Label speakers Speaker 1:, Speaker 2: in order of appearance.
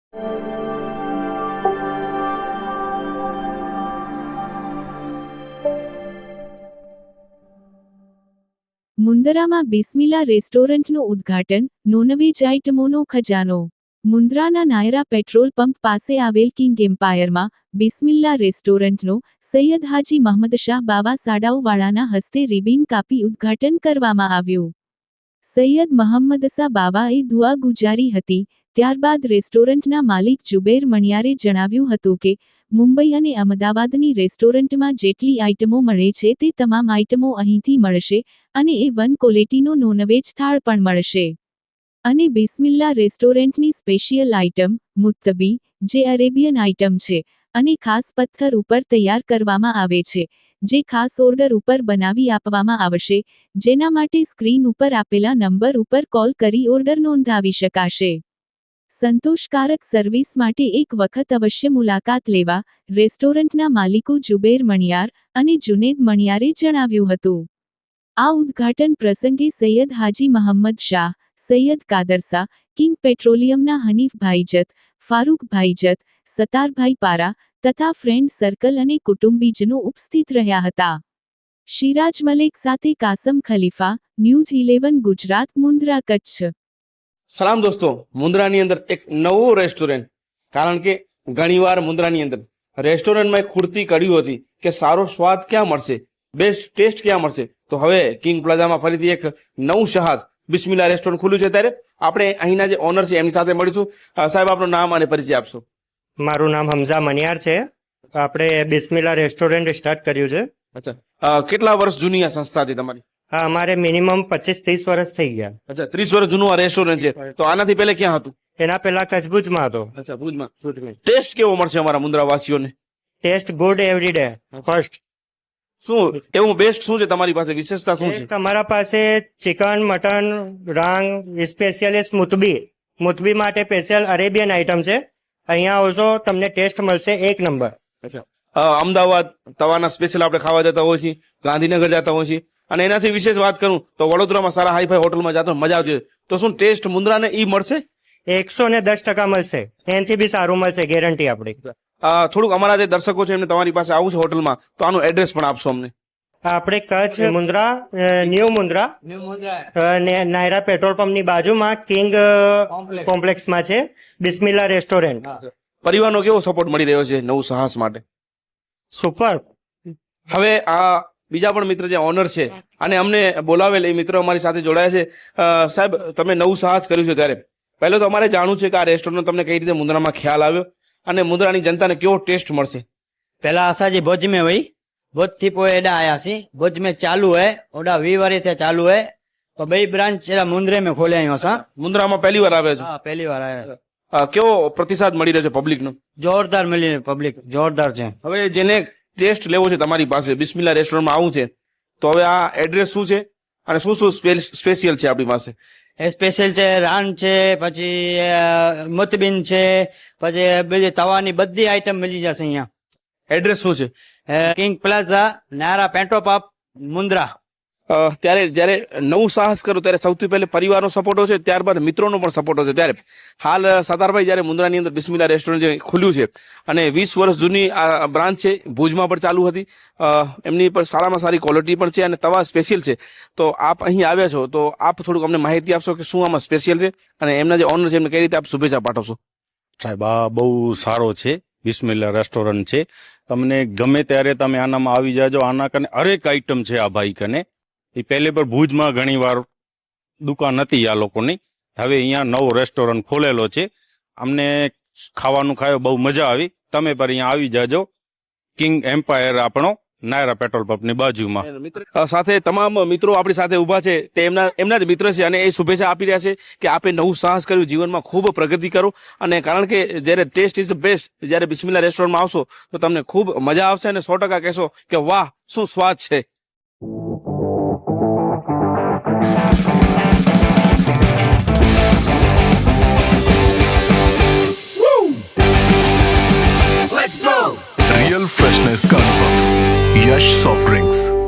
Speaker 1: મુન્દ્રામાં બિસ્મિલ્લા રેસ્ટોરન્ટનું ઉદ્ઘાટન, નોનવેજ આઇટમોનો ખજાનો। મુન્દ્રાના Naira petrol pump પાસે આવેલ કિંગ એમ્પાયરમાં બિસ્મિલ્લા રેસ્ટોરન્ટનો સૈયદ હાજી મહમદ શાહ બાવા સાડાઓવાળાના હસ્તે રિબીન કાપી ઉદ્ઘાટન કરવામાં આવ્યું। સૈયદ મહમ્મદ શાહ બાવાએ દુઆ ગુજારી હતી। ત્યારબાદ રેસ્ટોરન્ટના માલિક જુબેર મણિયારે જણાવ્યું હતું કે મુંબઈ અને અમદાવાદની રેસ્ટોરન્ટમાં જેટલી આઇટમો મળે છે તે તમામ આઇટમો અહીંથી મળશે અને A1 ક્વોલિટીનો નોનવેજ થાળ પણ મળશે। અને બિસ્મિલ્લા રેસ્ટોરન્ટની સ્પેશિયલ આઇટમ મુત્તબી, જે અરેબિયન આઇટમ છે અને ખાસ પથ્થર ઉપર તૈયાર કરવામાં આવે છે, જે ખાસ ઓર્ડર ઉપર બનાવી આપવામાં આવશે, જેના માટે સ્ક્રીન ઉપર આપેલા નંબર ઉપર કોલ કરી ઓર્ડર નોંધાવી શકાશે। સંતોષકારક સર્વિસ માટે એક વખત અવશ્ય મુલાકાત લેવા રેસ્ટોરન્ટના માલિકો જુબેર મણિયાર અને જુનેદ મણિયારે જણાવ્યું હતું। આ ઉદ્ઘાટન પ્રસંગે સૈયદ હાજી મહમ્મદ શાહ, સૈયદ કાદરસા, કિંગ પેટ્રોલિયમના હનીફભાઈ જત, ફારૂકભાઈ જત, સતારભાઈ પારા તથા ફ્રેન્ડ સર્કલ અને કુટુંબીજનો ઉપસ્થિત રહ્યા હતા। શિરાજ મલેક સાથે કાસમ ખલીફા, ન્યૂઝ 11 ગુજરાત, મુન્દ્રા, કચ્છ।
Speaker 2: સલામ દોસ્તો, મુન્દ્રાની અંદર એક નવું રેસ્ટોરન્ટ, કારણ કે ઘણીવાર મુન્દ્રાની અંદર રેસ્ટોરન્ટમાં એક ખૂટતી કડી હતી કે સારો સ્વાદ ક્યાં મળશે, બેસ્ટ ટેસ્ટ ક્યાં મળશે। તો હવે કિંગ પ્લાઝામાં ફરીથી એક નવું જહાજ બિસ્મિલ્લા રેસ્ટોરન્ટ ખુલ્યું છે। ત્યારે આપણે અહીંના જે ઓનર છે એમની સાથે મળીશું। સાહેબ, આપનું નામ અને પરિચય આપશો।
Speaker 3: મારું નામ હમઝા મનિયાર છે। આપણે બિસ્મિલ્લા રેસ્ટોરન્ટ સ્ટાર્ટ કર્યું છે।
Speaker 2: અચ્છા, કેટલા વર્ષ જૂની આ સંસ્થા છે તમારી?
Speaker 3: હા, અમારે મિનિમમ 25-30 વર્ષ થઈ ગયા।
Speaker 2: અચ્છા, 30 વર્ષ જૂનું આ રેસ્ટોરન્ટ છે। તો આનાથી પહેલા ક્યાં હતું?
Speaker 3: એના પહેલા કચ્છ ભુજમાં હતો।
Speaker 2: અચ્છા, ભુજમાં। ટેસ્ટ કેવો મળશે અમારા મુન્દ્રા વાસીઓને?
Speaker 3: Taste good every day first.
Speaker 2: શું એવું બેસ્ટ શું છે તમારી પાસે, વિશેષતા શું છે?
Speaker 3: તમારા પાસે ચિકન, મટન, રાંગ, સ્પેશિયલિસ્ટ મુતબી માટે સ્પેશિયલ અરેબિયન આઇટમ છે। અહીંયા આવશો તમને ટેસ્ટ મળશે એક નંબર।
Speaker 2: અચ્છા, અમદાવાદ તવાના સ્પેશિયલ આપણે ખાવા જતા હોય છીએ, ગાંધીનગર જતા હોય છીએ, અને એનાથી વિશેષ વાત કરું તો વડોદરામાં સારા હાઈફાઈ હોટલમાં જતો મજા આવતી હોય, તો શું ટેસ્ટ મુન્દ્રાને ઈ મળશે?
Speaker 3: 110% મળશે, એનાથી બી સારું મળશે, ગેરંટી આપણી।
Speaker 2: થોડુંક અમારા જે દર્શકો છે એમને તમારી પાસે આવું છે હોટલમાં, તો આનું એડ્રેસ પણ આપશો અમને।
Speaker 3: આપણે કચ્છ મુન્દ્રા, ન્યૂ મુન્દ્રા નાયરા પેટ્રોલ પંપની બાજુમાં કિંગ કોમ્પ્લેક્સમાં છે બિસ્મિલ્લા રેસ્ટોરન્ટ।
Speaker 2: પરિવારનો કેવો સપોર્ટ મળી રહ્યો છે નવું સાહસ માટે?
Speaker 3: સુપર।
Speaker 2: હવે આ બીજા પણ મિત્ર જે ઓનર છે અને અમને બોલાવેલ એ મિત્રો અમારી સાથે જોડાયા છે। સાહેબ, તમે નવું સાહસ કર્યું છે, ત્યારે પહેલો તો અમારે જાણવું છે કે આ રેસ્ટોરન્ટ તમને કઈ રીતે મુન્દ્રામાં ખ્યાલ આવ્યો અને મુન્દ્રાની जनता ने केवो टेस्ट मरसे?
Speaker 4: पहला आशा जी भुज में हुई, भुज थी पोइ एडा आया सी। भुज में चालू है, ओडा 20 वर्ष से चालू है। तो बई ब्रांच एडा मुंद्रे में खोले आयो असा।
Speaker 2: मुंद्रा में पहली बार आवे छो?
Speaker 4: हां, पहली बार आया।
Speaker 2: केवो प्रतिसाद मળી રહ્યો છે પબ્લિક નો?
Speaker 4: જોરદાર મળી પબ્લિક, જોરદાર છે।
Speaker 2: હવે જેને ટેસ્ટ લેવો છે તમારી પાસે, બિસ્મિલ્લા રેસ્ટોરન્ટ માં આવું છે, તો હવે આ એડ્રેસ શું છે અને શું શું સ્પેશિયલ છે આપણી પાસે?
Speaker 4: સ્પેશિયલ છે, રાન છે, પછી મુતબીન છે, પછી બધી તવાની બધી આઈટમ મળી જશે અહીંયા।
Speaker 2: એડ્રેસ શું છે?
Speaker 4: King Plaza, Nayara petrol pump, Mundra.
Speaker 2: ત્યારે જ્યારે નવું સાહસ કરો ત્યારે સૌથી પહેલે પરિવારનો સપોર્ટ હોય છે, ત્યારબાદ મિત્રોનો પણ સપોર્ટ હોય છે। ત્યારે હાલ સતારભાઈ જ્યારે મુન્દ્રાની અંદર બિસ્મિલ્લા રેસ્ટોરન્ટ જે ખુલ્યું છે અને 20 વર્ષ જૂની આ બ્રાન્ચ છે, ભુજમાં પણ ચાલુ હતી, એમની પર સારામાં સારી ક્વોલિટી પણ છે અને તવા સ્પેશિયલ છે। તો આપ અહીં આવ્યા છો, તો આપ થોડુંક અમને માહિતી આપશો કે શું આમાં સ્પેશિયલ છે અને એમના જે ઓનર છે એમને કઈ રીતે આપ શુભેચ્છા પાઠવશો?
Speaker 5: સાહેબ, આ બહુ સારો છે, બિસ્મિલ્લા રેસ્ટોરન્ટ છે। તમને ગમે ત્યારે તમે આનામાં આવી જાજો। આના કને હરેક આઈટમ છે આ ભાઈ કને। એ પહેલે પર ભુજમાં ઘણી વાર દુકાન હતી આ લોકોની, હવે અહીંયા નવો રેસ્ટોરન્ટ ખોલેલો છે। અમને ખાવાનું ખાયો બહુ મજા આવી। તમે પર અહીંયા આવી જાજો। કિંગ એમ્પાયર આપણો નાયરા પેટ્રોલ પંપની બાજુમાં।
Speaker 2: સાથે તમામ મિત્રો આપણી સાથે ઊભા છે, તે એમના જ મિત્ર છે અને એ શુભેચ્છા આપી રહ્યા છે કે આપે નવું સાહસ કર્યું, જીવનમાં ખૂબ પ્રગતિ કરો। અને કારણ કે જ્યારે ટેસ્ટ ઇઝ ધ બેસ્ટ, જ્યારે બિસ્મિલ્લા રેસ્ટોરન્ટમાં આવશો તો તમને ખૂબ મજા આવશે અને 100% કહેશો કે વાહ શું સ્વાદ છે।
Speaker 6: रियल फ्रेशनेस का अनुभव, यश सॉफ्ट ड्रिंक्स।